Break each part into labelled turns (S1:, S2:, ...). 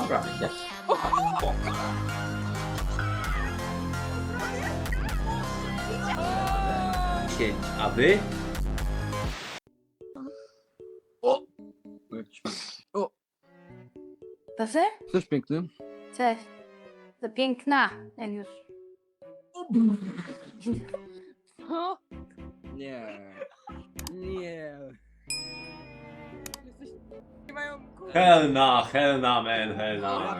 S1: Dobra, nie? 10, a wy?
S2: Proszę?
S3: Cześć piękny.
S2: Cześć. To piękna, jak już.
S3: Nie. Nie.
S1: Helna, man, helna.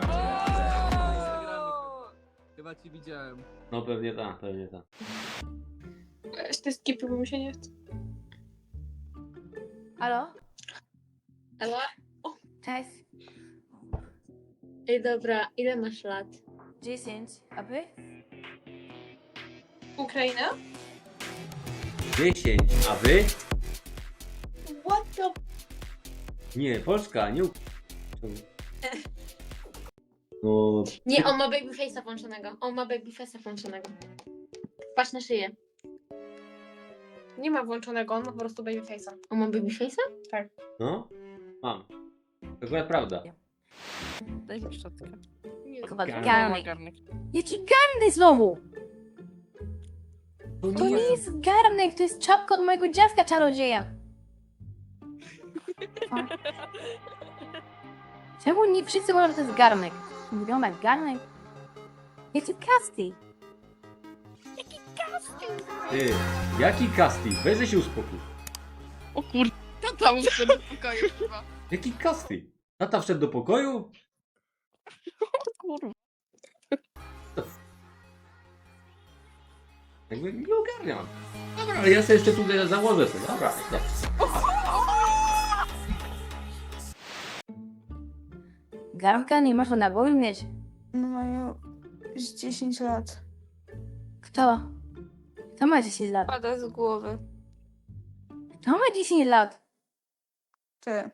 S3: Chyba ci widziałem.
S1: No pewnie tak, pewnie tak.
S4: Weź te skipy, bo mi się nie chce.
S2: Halo?
S4: Ale...
S2: Cześć.
S4: Ej, dobra, ile masz lat?
S2: 10. A wy?
S4: Ukraina?
S1: 10, a wy?
S4: What the...
S1: Nie, Polska, nie No,
S4: Nie, on ma babyface'a włączonego. On ma babyface'a włączonego. Patrz na szyję.
S5: Nie ma włączonego, on ma po prostu babyface'a.
S4: On ma babyface'a?
S1: no, mam. To akurat prawda.
S5: Daj mi szczotkę.
S2: Chyba
S1: Garnek.
S2: garnek. Jaki garnek znowu? To nie jest garnek, to jest czapka od mojego dziadka czarodzieja. Czemu nie wszyscy mówią, że to jest garnek? Wygląda jak garnek? Jaki casting?
S1: Ty, jaki casting? Weź się uspokój.
S5: O kurde, to tam wszedł do pokoju chyba.
S1: Jaki casting? Tata wszedł do pokoju?
S5: O kurwa.
S1: Jakby nie ogarniam. Dobra, ale ja sobie jeszcze tutaj założę sobie. Dobra, nie.
S2: Garnka nie można na głowie mieć.
S6: No mają już 10 lat.
S2: Kto? Kto ma 10 lat?
S6: Pada z głowy.
S2: Kto ma 10 lat?
S6: Ty.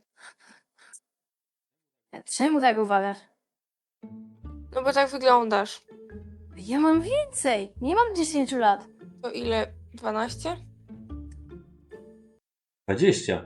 S2: Czemu tak uważasz?
S6: No bo tak wyglądasz.
S2: Ja mam więcej. Nie mam 10 lat.
S6: To ile? 12?
S1: 20.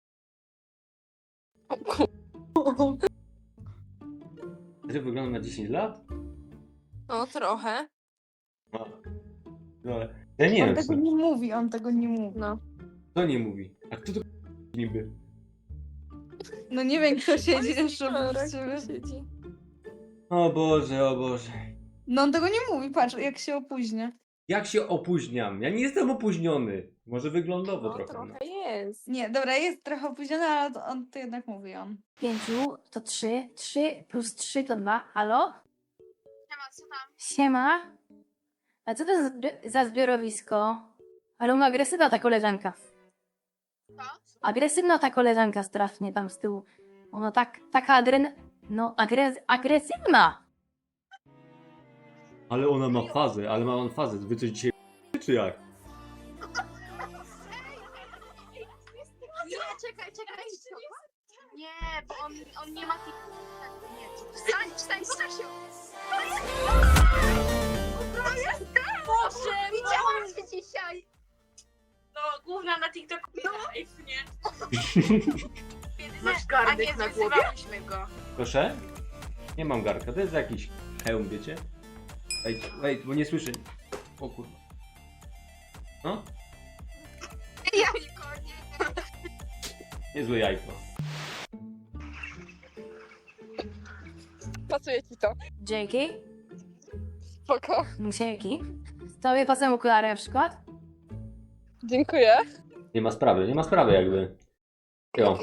S6: O kur...
S1: Ty wygląda na 10 lat?
S6: No trochę.
S1: No. No, ale ja nie
S7: On
S1: wiem,
S7: tego
S1: co,
S7: nie mówi, on tego nie mówi.
S6: No.
S1: kto nie mówi. A kto to niby?
S7: No nie wiem, kto siedzi jeszcze
S6: Dobra,
S7: obok ciebie.
S6: siedzi.
S1: O Boże, o Boże.
S7: No on tego nie mówi, patrz, jak się opóźnia.
S1: Jak się opóźniam? Ja nie jestem opóźniony. Może wyglądowo
S6: No
S1: trochę. No.
S6: trochę jest.
S7: Nie, dobra, jest trochę opóźniony, ale on to jednak mówi on.
S2: 5 to 3. 3 plus 3 to 2. Halo?
S5: Siema, co tam?
S2: Siema. A co to za zbiorowisko? Ale ona agresywna ta koleżanka.
S5: Co?
S2: Agresywna ta koleżanka strasznie tam z tyłu. Ona taka no agresywna.
S1: Ale ona ma fazę, ale ma on fazę. Wy coś dzisiaj czy jak?
S5: Nie, czekaj. Nie, bo on nie ma tych... Nie, wstań, Stasiu! Boże, widziałam cię dzisiaj! No, główna na TikToku live, nie? Masz garnek na głowie? Go.
S1: Proszę? Nie mam garka, to jest jakiś hełm, wiecie? Wait, bo nie słyszę. O kurwa. No?
S5: Jajko,
S1: Niezłe jajko.
S6: Pasuje ci to.
S2: Dzięki.
S6: Spoko.
S2: Dzięki. Tobie pasują okulary na przykład?
S6: Dziękuję.
S1: Nie ma sprawy jakby. Jo.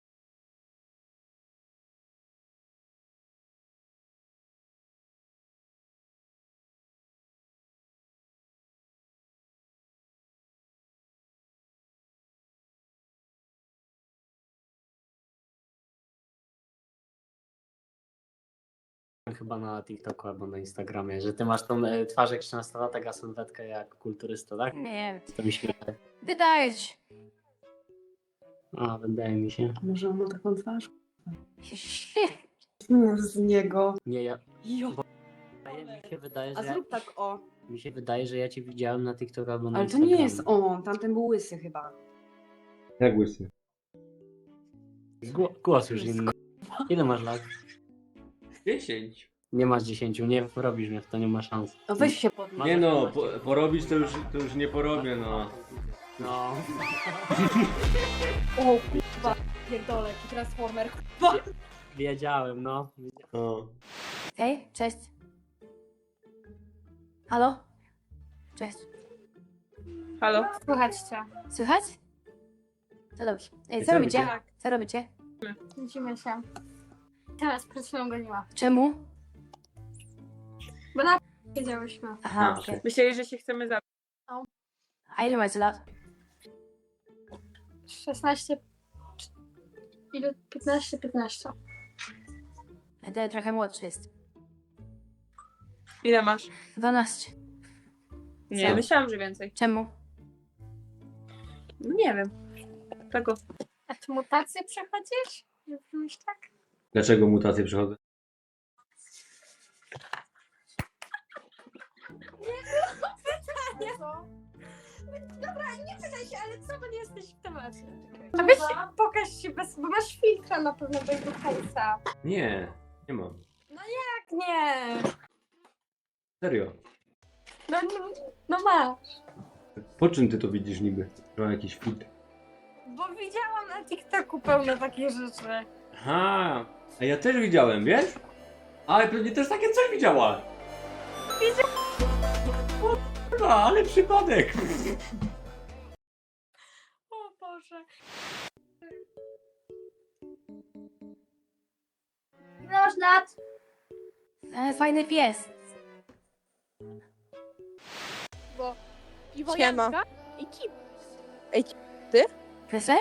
S8: Chyba na TikToku albo na Instagramie, że ty masz tą twarz jak 13-latek, a sylwetkę jak kulturysta, tak?
S2: Nie.
S8: To mi się wydaje.
S2: Wydaje się.
S8: A, wydaje mi się.
S9: Może on ma taką twarz?
S2: Shit.
S9: Z niego.
S8: Nie, ja...
S9: Jo.
S8: Mi się wydaje,
S9: A
S8: że
S9: zrób tak o.
S8: mi się wydaje, że ja cię widziałem na TikToku albo na
S9: Ale to
S8: Instagramie.
S9: nie jest on, tamten był łysy chyba.
S1: Jak łysy?
S8: Głos już inny. Ile masz lat?
S1: 10.
S8: Nie masz 10, nie robisz mnie w to, nie ma szans.
S2: No weź się podnieś.
S1: Nie no, porobić to już nie porobię, no.
S8: No.
S7: O kurwa, pierdolę, jaki transformer.
S8: Wiedziałem, no.
S1: no.
S2: Hej, cześć. Halo? Cześć.
S6: Halo?
S5: Słuchać cię.
S2: Słychać? To dobrze. Ej,
S1: Co
S2: co robicie?
S1: robicie?
S2: Co robicie?
S5: Widzimy się. Teraz przed chwilą goniła.
S2: Czemu?
S5: Bo na wiedziałyśmy.
S2: Aha,
S1: A,
S2: okej.
S6: Myśleli, że się chcemy zabić.
S2: A ile macie lat?
S5: 16... Ile? 15, 15.
S2: Będę trochę młodszy jest.
S6: Ile masz?
S2: 12.
S6: Nie,
S1: Co?
S6: myślałam, że więcej.
S2: Czemu?
S6: No nie wiem. Tego.
S5: A ty mutację przechodzisz? Nie brzmisz tak?
S1: Dlaczego mutacje przychodzą?
S5: Dobra, nie pytaj się, ale co, bo nie jesteś w temacie. A weź pokaż się bez... bo masz filtra na pewno bez końca.
S1: Nie, nie mam.
S5: Tak nie.
S1: Serio.
S5: No masz.
S1: Po czym ty to widzisz niby? Że mam jakiś filtr.
S5: Bo widziałam na TikToku pełne takie rzeczy.
S1: Aha, a ja też widziałem, wiesz? Ale pewnie też takie coś widziała. Kurwa, ale przypadek.
S5: O Boże. Ile masz lat?
S2: Fajny pies.
S6: Siema.
S2: Krysler?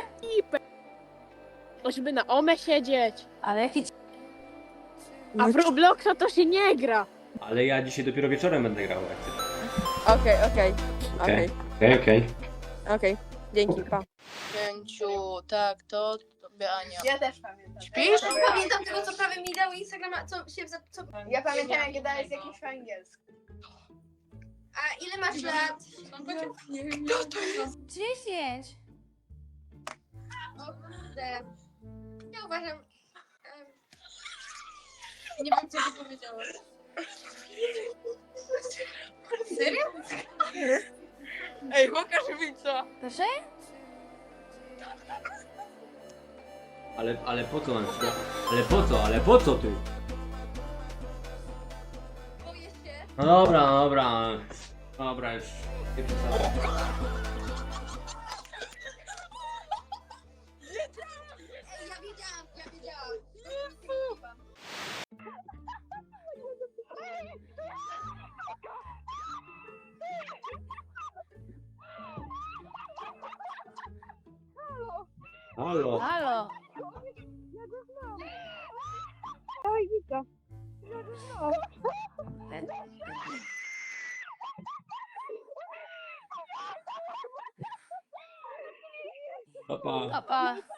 S10: Żeby na OME siedzieć.
S2: Ale jaki
S10: A w Robloxa to się nie gra.
S1: Ale ja dzisiaj dopiero wieczorem będę grał. Jak chcesz. Okej, okej.
S6: Okej. Dzięki, pa.
S7: Pięciu, tak, to tobie Ania.
S5: Ja też pamiętam.
S7: Śpisz?
S5: Pamiętam tego, co prawie mi dał Instagrama, co się... Co...
S7: Ja pamiętam, jak dałeś jakieś po angielsku.
S5: A ile masz lat?
S2: 10.
S5: O kurde. Ja uważam... Nie wiem, co ty powiedziałeś. Serio?
S6: Ej, pokaż mi co.
S2: Proszę?
S1: Ale po co mam ci to? Ale po co ty?
S5: Boję się.
S1: No dobra, no dobra. Dobra, już nie przesadzaj.
S5: Ej, ja wiedziałam.
S1: Halo.
S2: Halo.
S1: Papa.
S2: Papa.